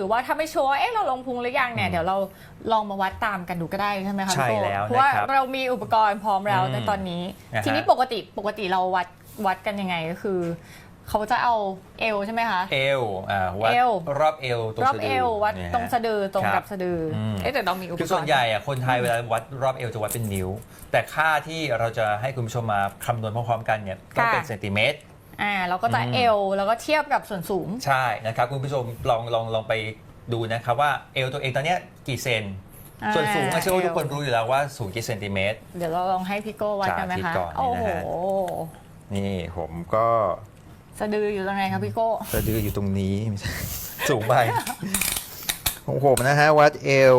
รือว่าถ้าไม่ชัวร์เราลงพุงหรือยังเนี่ยเดี๋ยวเราลองมาวัดตามกันดูก็ได้ใช่ไหมคะใช่แล้วเพราะว่านะครับเรามีอุปกรณ์พร้อมแล้วในตอนนี้นะฮะทีนี้ปกติเราวัดกันยังไงก็คือเขาจะเอาเอวใช่ไหมคะเอววัดเอวรอบเอวตรงรอบสะเอดือววัดเนี่ยฮะตรงสะดือตรงกับสะดือแต่เรามีอุปกรณ์คือส่วนใหญ่คนไทยเวลาวัดรอบเอวจะวัดเป็นนิ้ว แต่ค่าที่เราจะให้คุณผู้ชมมาคำนวณพร้อมๆกันเนี่ยต้องเป็นเซนติเมตรเราก็จะเอวแล้วก็เทียบกับส่วนสูงใช่นะครับคุณผู้ชมลองไปดูนะครับว่าเอวตัวเองตอนเนี้ยกี่เซนส่วนสูงเชื่อว่าทุกคนรู้อยู่แล้วว่าสูงกี่เซนติเมตรเดี๋ยวเราลองให้พี่โก้วัดกันไหมสาธิตคะก่อนนี่โอ้นะโหฮะ นี่ผมก็สะดืออยู่ตรงไหนคะพี่โก้สะดืออยู่ตรงนี้ ไม่ใช่ สูงไปของผมนะฮะวัดเอว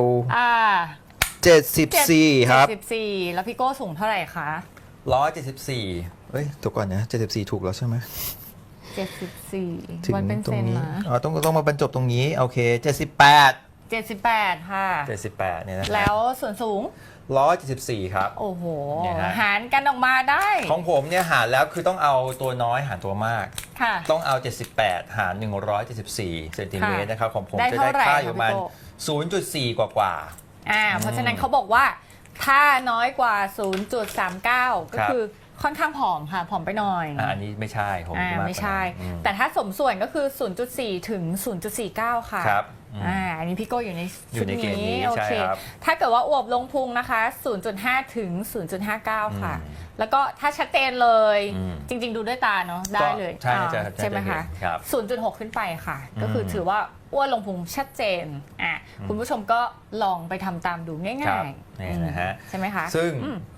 74 ครับ 74แล้วพี่โก้สูงเท่าไหร่คะ 174เฮ้ยตัวก่อนนะ74ถูกแล้วใช่ไหม 74 ถึงวัดเป็นตรเซงนนี้นะอ๋อต้องมาบรรจบตรงนี้โอเค78 78ค่ะเนี่ยนะแล้วส่วนสูง 174ครับโอ้โหเนี่ยฮะหารกันออกมาได้ของผมเนี่ยหารแล้วคือต้องเอาตัวน้อยหารตัวมากค่ะต้องเอา 78 หาร 174 เซนติเมตรนะครับ ของผมได้จะเท่าได้ไหร่ค่าคะอยู่ประมาณพี่โก้ 0.4 กว่าเพราะฉะนั้นเขาบอกว่าถ้าน้อยกว่า 0.39 ก็คือค่อนข้างผอมค่ะ ผอมไปหน่อยอันนี้ไม่ใช่ผมมากกว่านั้นไม่ใช่อืมแต่ถ้าสมส่วนก็คือ 0.4 ถึง 0.49 ค่ะครับอันนี้พี่โก้อยู่ในอยู่ชุดในเกณฑ์นี้นี้โอเคใช่ครับถ้าเกิดว่าอวบลงพุงนะคะ 0.5 ถึง 0.59 ค่ะ แล้วก็ถ้าชัดเจนเลย จริง ๆ ดูด้วยตาเนาะได้เลยใช่จะใช่ไหมคะเห็นครับ 0.6 ขึ้นไปค่ะ ก็คือถือว่าอ้วนลงพุงชัดเจนคุณผู้ชมก็ลองไปทำตามดูง่ครัาบยนี่นะฮะใช่ไหมคะซึ่ง